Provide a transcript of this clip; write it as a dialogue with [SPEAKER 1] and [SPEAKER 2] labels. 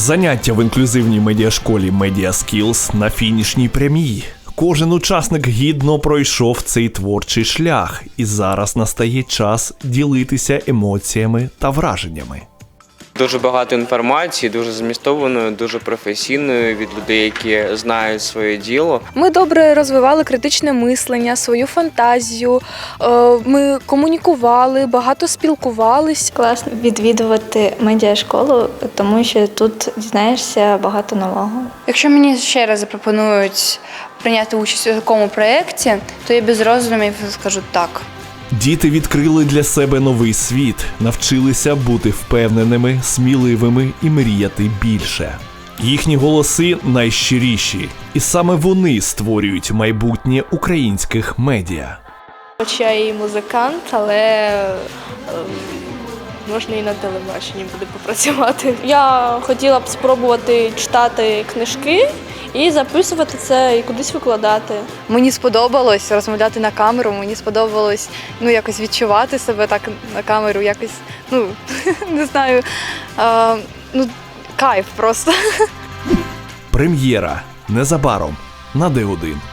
[SPEAKER 1] Заняття в інклюзивній медіашколі Media Skills на фінішній прямій. Кожен учасник гідно пройшов цей творчий шлях, і зараз настає час ділитися емоціями та враженнями.
[SPEAKER 2] Дуже багато інформації, дуже змістованої, дуже професійної від людей, які знають своє діло.
[SPEAKER 3] Ми добре розвивали критичне мислення, свою фантазію, ми комунікували, багато спілкувались.
[SPEAKER 4] Класно відвідувати медіашколу, тому що тут дізнаєшся багато нового.
[SPEAKER 5] Якщо мені ще раз запропонують прийняти участь у такому проєкті, то я без роздумів скажу так.
[SPEAKER 1] Діти відкрили для себе новий світ, навчилися бути впевненими, сміливими і мріяти більше. Їхні голоси найщиріші, і саме вони створюють майбутнє українських медіа.
[SPEAKER 6] Хоч я і музикант, але можна і на телебаченні буде попрацювати. Я хотіла б спробувати читати книжки і записувати це і кудись викладати.
[SPEAKER 7] Мені сподобалось розмовляти на камеру, мені сподобалось якось відчувати себе так на камеру, якось, не знаю, кайф просто.
[SPEAKER 1] Прем'єра незабаром на Д1.